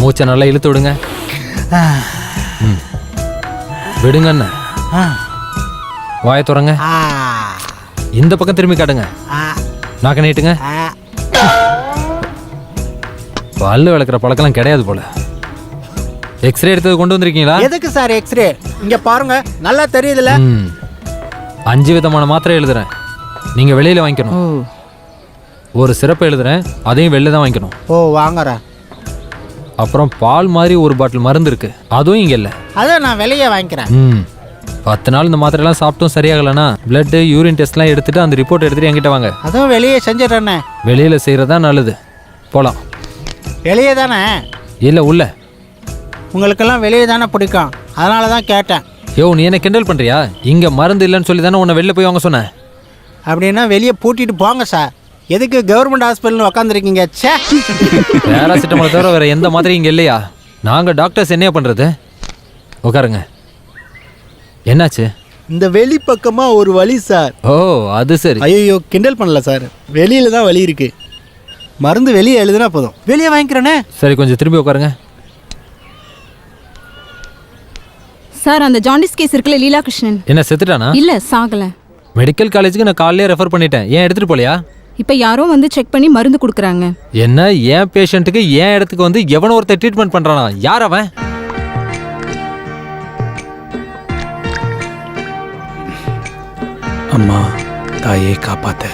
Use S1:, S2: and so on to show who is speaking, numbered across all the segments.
S1: மூச்சை நல்லா இழுத்து விடுங்க. விடுங்க அண்ணா. வாயை துறங்க. இந்த பக்கம் திரும்பி காட்டுங்க. நாக்க நீட்டுங்க. பல்லு விளக்குற பழக்கெல்லாம் கிடையாது போல. எக்ஸ்ரே எடுத்தது கொண்டு வந்திருக்கீங்களா?
S2: எதுக்கு சார் எக்ஸ்ரே? இங்க பாருங்க, நல்லா தெரியுதுல.
S1: 5 விதமான மாத்திரை எழுதுறேன், நீங்க வெளியில வாங்கிக்கணும். ஒரு சிறப்பு எழுதுறேன், அதையும் வெளில தான் வாங்கிக்கணும்.
S2: ஓ வாங்குறேன்.
S1: அப்புறம் பால் மாதிரி ஒரு பாட்டில் மருந்து இருக்கு, அதுவும் இங்க இல்ல.
S2: அதை நான் வெளியே வாங்கிக்கிறேன்.
S1: 10 நாள் இந்த மாத்திரைலாம் சாப்பிட்டும் சரியாகலன்னா பிளட் யூரின் டெஸ்ட்லாம் எடுத்துட்டு அந்த ரிப்போர்ட் எடுத்துட்டு என்கிட்ட வாங்க.
S2: அதுவும் வெளியே செஞ்சிடறேண்ணே.
S1: வெளியில செய்யறதா நல்லது. போலாம்.
S2: வெளியே தானே?
S1: இல்ல உள்ள.
S2: உங்களுக்கெல்லாம் வெளியே தானே பிடிக்கும், அதனால தான் கேட்டேன்.
S1: யோ, நீ என்ன கிண்டல் பண்றியா? இங்க மருந்து இல்லைன்னு சொல்லி தானே உன்னை வெளில போய் வாங்க சொன்னேன்.
S2: அப்படின்னா வெளியே பூட்டிட்டு போங்க சார். எதுக்கு கவர்மெண்ட் ஹாஸ்பிட்டல்னு உக்காந்துருக்கீங்க? சே,
S1: பேராசிட்டமால் தவிர வேற எந்த மாதிரி இங்க இல்லையா? நாங்க டாக்டர்ஸ் என்ன பண்றது? உட்காருங்க. என்னாச்சு?
S2: இந்த வெளி பக்கமா ஒரு வலி சார்.
S1: ஓ அது சரி.
S2: ஐயோ கிண்டல் பண்ணல சார், வெளியில தான் வலி இருக்கு. மருந்து வெளியே எழுதுனா போதும், வெளியே வாங்கிக்கிறேனே.
S1: சரி, கொஞ்சம் திரும்பி உட்காருங்க.
S3: சார், அந்த ஜாண்டிஸ் கேஸ் இருக்குல்ல, லீலா கிருஷ்ணன்.
S1: என்ன செத்துட்டானா?
S3: இல்ல, சாகல.
S1: மெடிக்கல் காலேஜுக்கு நான் காலையிலே ரெஃபர் பண்ணிட்டேன். ஏன் எடுத்துட்டு போலையா?
S3: இப்ப யாரோ வந்து செக் பண்ணி மருந்து கொடுக்குறாங்க.
S1: என்ன ஏன் பேஷண்ட்டுக்கு ஏன் இடத்துக்கு வந்து எவனோ ஒருத்தர் ட்ரீட்மெண்ட் பண்றானா? யார் அவன்?
S4: அம்மா தாயை காப்பாத்த.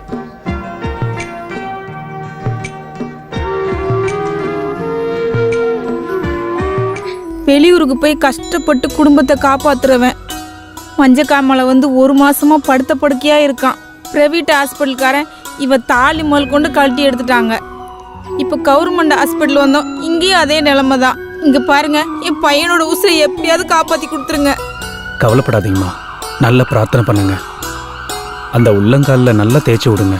S5: வெளியூருக்கு போய் கஷ்டப்பட்டு குடும்பத்தை காப்பாத்துறவன் மஞ்சக்காமலை வந்து 1 மாசமா படுத்த படுக்கையா இருக்கான். பிரைவேட் ஹாஸ்பிட்டல்காரன் இவ தாலி முதல் கொண்டு கழட்டி எடுத்துட்டாங்க. இப்போ கவர்மெண்ட் ஹாஸ்பிட்டல் வந்தோம், இங்கேயும் அதே நிலைமை தான். இங்க பாருங்க, என் பையனோட உசுரை எப்படியாவது காப்பாத்தி கொடுத்துருங்க.
S4: கவலைப்படாதீங்கம்மா, நல்ல பிரார்த்தனை பண்ணுங்க. அந்த உள்ளங்காலில் நல்லா தேய்ச்சி விடுங்க.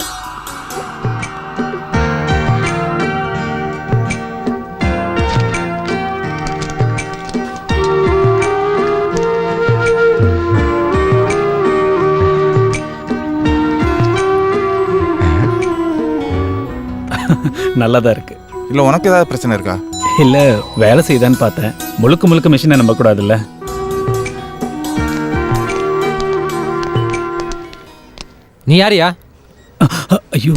S4: நல்லாதான் இருக்கு.
S6: இல்லை உனக்கு ஏதாவது பிரச்சனை இருக்கா?
S4: இல்லை, வேலை செய்தான்னு பார்த்தேன். முழுக்க முழுக்க மிஷினை நம்பக்கூடாதுல்ல.
S1: நீ யாரியா?
S4: ஐயோ,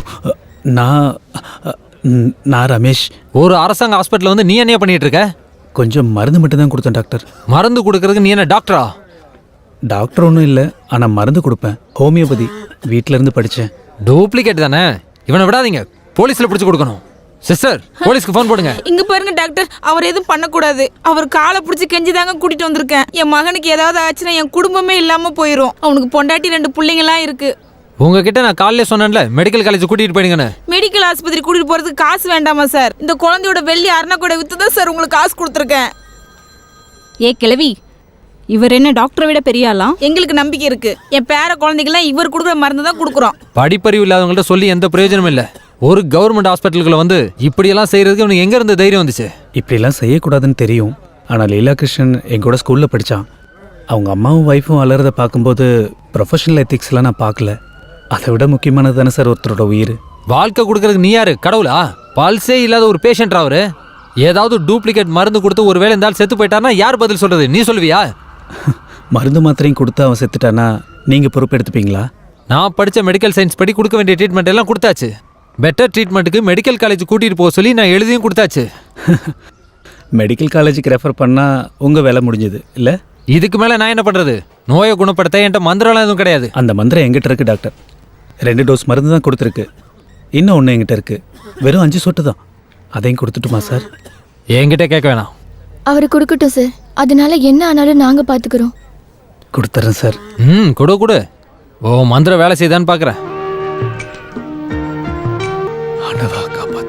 S4: நான் ரமேஷ்.
S1: ஒரு அரசாங்க ஹாஸ்பிட்டல் வந்து நீ என்ன பண்ணிட்டு இருக்க?
S4: கொஞ்சம் மருந்து மட்டும் தான் கொடுத்தேன் டாக்டர்.
S1: மருந்து கொடுக்கறதுக்கு நீ என்ன டாக்டரா?
S4: டாக்டர் ஒன்றும் இல்லை, ஆனால் மருந்து கொடுப்பேன். ஹோமியோபதி வீட்டில இருந்து படித்தேன்.
S1: டூப்ளிகேட் தானே? இவனை விடாதீங்க, போலீஸ்ல பிடிச்சு கொடுக்கணும். சிஸ்டர், போலீஸ்க்கு ஃபோன் போடுங்க.
S5: இங்க பாருங்க டாக்டர், அவர் எதுவும் பண்ணக்கூடாது. அவர் காலை பிடிச்சி கெஞ்சி தாங்க கூட்டிட்டு வந்திருக்கேன். என் மகனுக்கு ஏதாவது ஆச்சுன்னா என் குடும்பமே இல்லாம போயிடும். அவனுக்கு பொண்டாட்டி 2 பிள்ளைங்கலாம் இருக்கு.
S1: உங்ககிட்ட நான் காலையில சொன்னேன்ல, மெடிக்கல் காலேஜ் கூட்டிட்டு போயிடுங்கன்னு.
S5: மெடிக்கல் ஆஸ்பத்திரி கூட்டிட்டு போறதுக்கு காசு வேண்டாமா சார்? இந்த குழந்தையோட வெள்ளி அரணக்கூட வித்து தான் சார் உங்களுக்கு காசு கொடுத்துருக்கேன்.
S3: ஏ கிழவி, இவர் என்ன டாக்டரை விட பெரிய ஆளா?
S5: எங்களுக்கு நம்பிக்கை இருக்கு. என் பேர குழந்தைகள்லாம் இவர் கொடுக்குற மருந்து தான் கொடுக்குறோம்.
S1: படிப்பறிவு இல்லாதவங்கள்ட்ட சொல்லி எந்த பிரயோஜனமும் இல்லை. ஒரு கவர்மெண்ட் ஹாஸ்பிட்டலுக்குள்ள வந்து இப்படியெல்லாம் செய்யறதுக்கு உனக்கு எங்க இருந்து தைரியம் வந்துச்சு?
S4: இப்படிலாம் செய்யக்கூடாதுன்னு தெரியும். ஆனால் லீலா கிருஷ்ணன் எங்கூட ஸ்கூலில் படித்தான். அவங்க அம்மாவும் ஒய்ஃபும் வளர்றதை பார்க்கும்போது ப்ரொஃபஷனல் எத்திக்ஸ்லாம் நான் பார்க்கல. அதை விட முக்கியமானது தானே சார் ஒருத்தரோட உயிர்.
S1: வாழ்க்கை கொடுக்கறதுக்கு நீ யாரு? கடவுளா? பல்ஸே இல்லாத ஒரு பேஷண்ட் அவரு. ஏதாவது டூப்ளிகேட் மருந்து கொடுத்து ஒரு வேளை இருந்தாலும் செத்து போயிட்டாருன்னா யார் பதில் சொல்றது? நீ சொல்லுவியா?
S4: மருந்து மாத்திரையும் கொடுத்து அவன் செத்துட்டானா நீங்கள் பொறுப்பெடுத்துப்பீங்களா?
S1: நான் படித்த மெடிக்கல் சயின்ஸ் படி கொடுக்க வேண்டிய ட்ரீட்மெண்ட் எல்லாம் கொடுத்தாச்சு. பெட்டர் ட்ரீட்மெண்ட்டுக்கு மெடிக்கல் காலேஜ் கூட்டிகிட்டு போக சொல்லி நான் எழுதியும் கொடுத்தாச்சு.
S4: மெடிக்கல் காலேஜுக்கு ரெஃபர் பண்ணால் உங்கள் வேலை முடிஞ்சது இல்லை?
S1: இதுக்கு மேலே நான் என்ன பண்ணுறது? நோயை குணப்படுத்த என்கிட்ட மந்திரம்லாம் எதுவும் கிடையாது.
S4: அந்த மந்திரம் எங்கிட்ட இருக்குது டாக்டர். 2 டோஸ் மருந்து தான் கொடுத்துருக்கு. இன்னும் ஒன்று எங்கிட்ட இருக்குது, வெறும் 5 சொட்டு தான். அதையும் கொடுத்துட்டுமா சார்?
S1: என்கிட்ட கேட்க வேணாம்.
S7: அவரு கொடுக்கட்டும் சார், அதனால என்ன ஆனாலும் நாங்கள் பார்த்துக்கிறோம்.
S4: கொடுத்துட்றேன் சார்.
S1: கொடு. ஓ மந்திரம் வேலை செய்தான்னு பார்க்குறேன்.
S4: ஆண்டவா காப்பாத்த.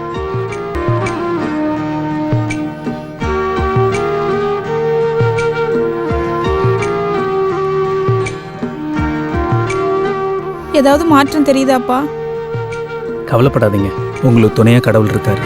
S5: ஏதாவது மாற்றம் தெரியுதாப்பா?
S4: கவலைப்படாதீங்க, உங்களுக்கு துணையாக கடவுள் இருக்கார்.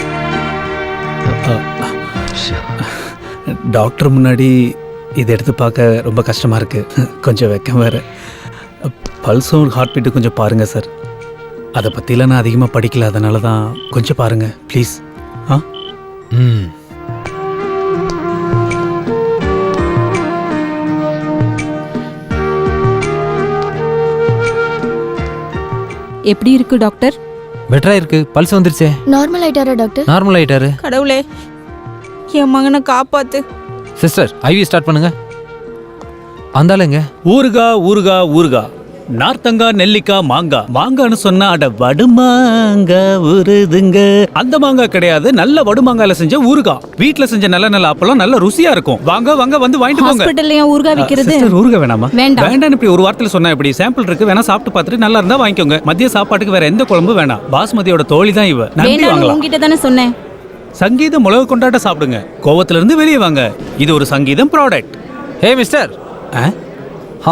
S4: டாக்டர் முன்னாடி இதை எடுத்து பார்க்க ரொம்ப கஷ்டமாக இருக்குது. கொஞ்சம் வெக்கம் வேறு. பல்ஸும் ஹார்ட் பீட்டு கொஞ்சம் பாருங்கள் சார். அதை பற்றிலாம் நான் அதிகமாக படிக்கல, அதனால தான் கொஞ்சம் பாருங்கள் ப்ளீஸ்.
S3: எப்படி இருக்கு டாக்டர்?
S1: பெட்டரா இருக்கு, பல்ஸ் வந்துருச்சே,
S7: நார்மல் ஆயிட்டாரா டாக்டர்?
S1: நார்மல் ஆயிட்டாரு.
S5: கடவுளே, என் மகனை காப்பாத்து.
S1: சிஸ்டர் ஐவி ஸ்டார்ட் பண்ணுங்க. அந்தாலுங்க
S4: ஊறுகா ஊறுகா ஊறுகா, நார்த்தங்கா நெல்லிக்காய் மாங்காய். மாங்கான்னு சொன்னா அட வடுமாங்கா உருதுங்க, அந்த மாங்காய் கிடையாது, நல்ல வடுமாங்காயில செஞ்ச ஊறுகா. வீட்ல செஞ்ச நல்ல நல்ல அப்பெல்லாம் நல்ல ருசியா இருக்கும். வாங்க வாங்க வந்து வாங்கிட்டு போங்க.
S3: ஹாஸ்பிடல்ல ஏன் ஊறுகாய் விக்கிறது?
S4: சிஸ்டர், ஊறுகாய் வேணாமா?
S3: வேண்டாம்.
S4: வேண்டாம் இப்படி ஒரு வார்த்தையில சொன்னா இப்படி சாம்பிள் இருக்கு, வேணா சாப்பிட்டு பார்த்துட்டு நல்லா இருந்தா வாங்கிக்கோங்க. மதிய சாப்பாட்டுக்கு வேற எந்த குழம்பு வேணாம். பாஸ்மதியோட தோழி தான் இவ, நம்பி
S3: வேண்டாம்,
S4: வாங்கலாம்.
S3: உங்ககிட்ட தானே சொன்னேன்.
S4: சங்கீத மிளகு கொண்டாட்ட சாப்பிடுங்க, கோவத்துல இருந்து வெளியே வாங்க. இது ஒரு சங்கீதம் ப்ராடக்ட்.
S1: ஹே மிஸ்டர். ஹா,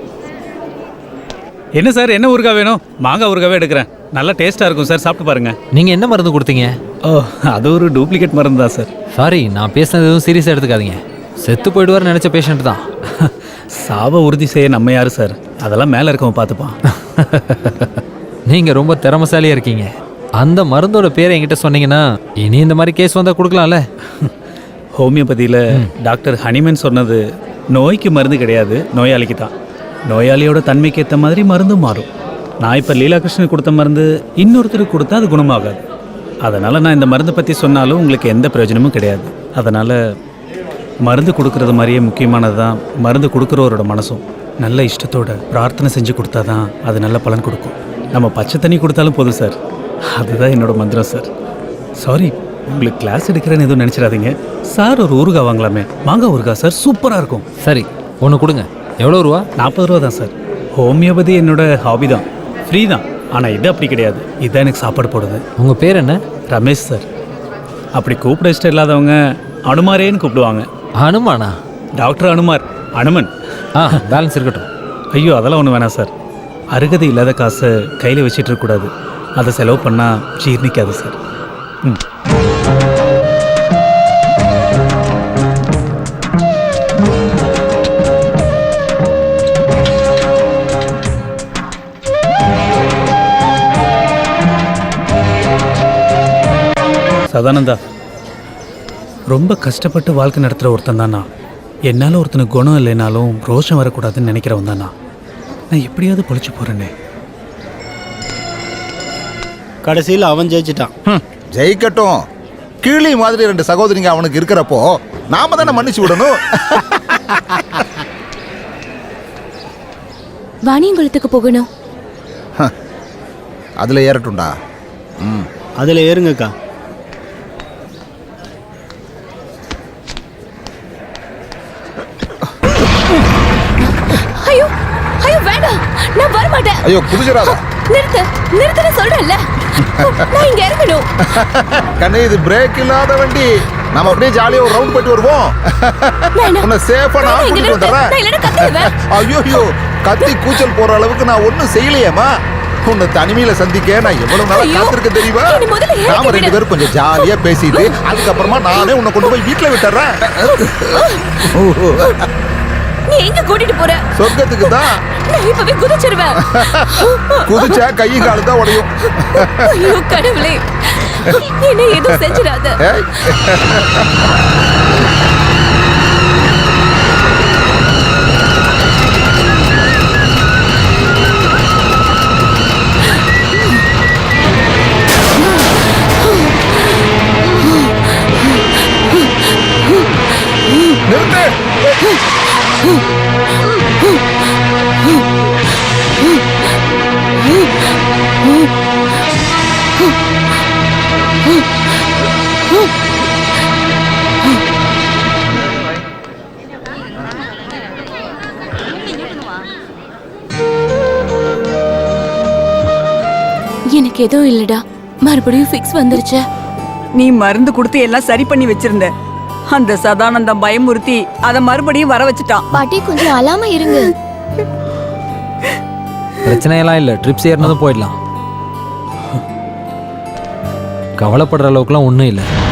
S4: என்ன சார், என்ன ஊறுகாய் வேணும்? மாங்காய் ஊறுகாவே எடுக்கிறேன், நல்லா டேஸ்டா இருக்கும் சார், சாப்பிட்டு பாருங்க.
S1: நீங்க என்ன மருந்து கொடுத்தீங்க?
S4: ஓ, அது ஒரு டூப்ளிகேட் மருந்து தான் சார்.
S1: சாரி, நான் பேசுனது எதுவும் சீரியஸாக எடுத்துக்காதீங்க. செத்து போயிடுவார்னு நினச்ச பேஷண்ட் தான்.
S4: சாவை உறுதி செய்ய நம்ம யாரு சார், அதெல்லாம் மேலே இருக்கவன் பார்த்துப்பான்.
S1: நீங்கள் ரொம்ப திறமசாலியாக இருக்கீங்க. அந்த மருந்தோட பேரை என்கிட்ட சொன்னீங்கன்னா இனி இந்த மாதிரி கேஸ் வந்தால் கொடுக்கலாம்ல.
S4: ஹோமியோபதியில் டாக்டர் ஹனிமன் சொன்னது நோய்க்கு மருந்து கிடையாது, நோயாளிக்கு தான். நோயாளியோட தன்மைக்கு ஏற்ற மாதிரி மருந்தும் மாறும். நான் இப்போ லீலாகிருஷ்ணனுக்கு கொடுத்த மருந்து இன்னொருத்தருக்கு கொடுத்தா அது குணமாகாது. அதனால் நான் இந்த மருந்தை பற்றி சொன்னாலும் உங்களுக்கு எந்த பிரயோஜனமும் கிடையாது. அதனால் மருந்து கொடுக்கறது மாதிரியே முக்கியமானது தான் மருந்து கொடுக்குறவரோட மனசும். நல்ல இஷ்டத்தோட பிரார்த்தனை செஞ்சு கொடுத்தா தான் அது நல்ல பலன் கொடுக்கும். நம்ம பச்சை தண்ணி கொடுத்தாலும் போதும் சார், அதுதான் என்னோட மந்திரம் சார். சாரி, உங்களுக்கு கிளாஸ் எடுக்கிறேன்னு எதுவும் நினச்சிடாதீங்க சார். ஒரு ஊறுகாய் வாங்கலாமே, மாங்காய் ஊறுகாய் சார், சூப்பராக இருக்கும்.
S1: சரி, ஒன்று கொடுங்க. எவ்வளோ ரூபா?
S4: 40 ரூபா தான் சார். ஹோமியோபதி என்னோட ஹாபி தான், ஃப்ரீ தான். ஆனால் இது அப்படி கிடையாது, இதுதான் எனக்கு சாப்பாடு போடுது.
S1: உங்கள் பேர் என்ன?
S4: ரமேஷ் சார். அப்படி கூப்பிட இஷ்டம் இல்லாதவங்க அனுமாரேன்னு கூப்பிடுவாங்க.
S1: அனுமானா?
S4: டாக்டர் அனுமார், அனுமன்.
S1: பேலன்ஸ் இருக்கட்டும்.
S4: ஐயோ, அதெல்லாம் ஒன்றும் வேணாம் சார். அருகதை இல்லாத காசை கையில் வச்சிட்டு இருக்கக்கூடாது, அதை செலவு பண்ணால் ஜீர்ணிக்காது சார். ம். சதானந்தா, ரொம்ப கஷ்டப்பட்டு வாழ்க்கை நடத்துகிற ஒருத்தன் தானா. என்னால் ஒருத்தனுக்கு குணம் இல்லைனாலும் ரோஷம் வரக்கூடாதுன்னு நினைக்கிறவன் தானா. நான் எப்படியாவது பொழைச்சு போகிறேனே.
S2: கடைசியில் அவன் ஜெயிச்சிட்டான்.
S6: ஜெயிக்கட்டும். கிளி மாதிரி 2 சகோதரிங்க அவனுக்கு இருக்கிறப்போ நாம தானே மன்னிச்சு விடணும்.
S7: வாணியங்குளத்துக்கு போகணும்.
S6: அதுல ஏறட்டும்டா.
S2: அதில் ஏறுங்கக்கா.
S7: ஐயோ ஐயோ, வேண்டாம், நான் வர மாட்டேன்.
S6: ஐயோ குதிச்சிடாத.
S7: நிறுத்த சொல்றேன்ல, நான் இங்க இறங்கணும்.
S6: கண்ணே, இது பிரேக் இல்லாத வண்டி. நாம அப்படியே ஜாலியா ஒரு ரவுண்ட் போயிட்டு வருவோம். உன்னை சேஃபா நான் கூட்டிட்டு வந்துடுறேன். ஐயோ, கத்தி கூச்சல் போற அளவுக்கு நான் ஒன்னும் செய்யலையேம்மா. உன்னை தனிமையில சந்திக்க நான் எவ்வளவு நாளா காத்திருக்க தெரியுமா? நாம 2 பேரும் கொஞ்சம் ஜாலியா பேசிட்டு அதுக்கப்புறமா நானே உன்னை கொண்டு போய் வீட்டுல விட்டுறேன்.
S7: நீ எங்க கூட்டிட்டு போற?
S6: சொர்க்கத்துக்கு தான்.
S7: நான் இப்பவே குதிச்சிருவேன்.
S6: குதிச்சா கை காலு தான் உடையும்.
S7: ஐயோ கடவுளே, என்ன எதுவும் செஞ்சிடாத. எனக்கு எதுவும் இல்லடா, மறுபடியும் ஃபிக்ஸ் வந்துருச்சு.
S8: நீ மருந்து கொடுத்து எல்லாம் சரி பண்ணி வச்சிருந்த. அந்த சதானந்தம் பயமுறுத்தி அதை மறுபடியும் வர வச்சுட்டான்.
S7: பாட்டி கொஞ்சம் அழாம இருங்க.
S1: பிரச்சனையெல்லாம் இல்லை, ட்ரிப்ஸ் ஏறினதும் போயிடலாம். கவலைப்படுற அளவுக்குலாம் ஒன்றும் இல்லை.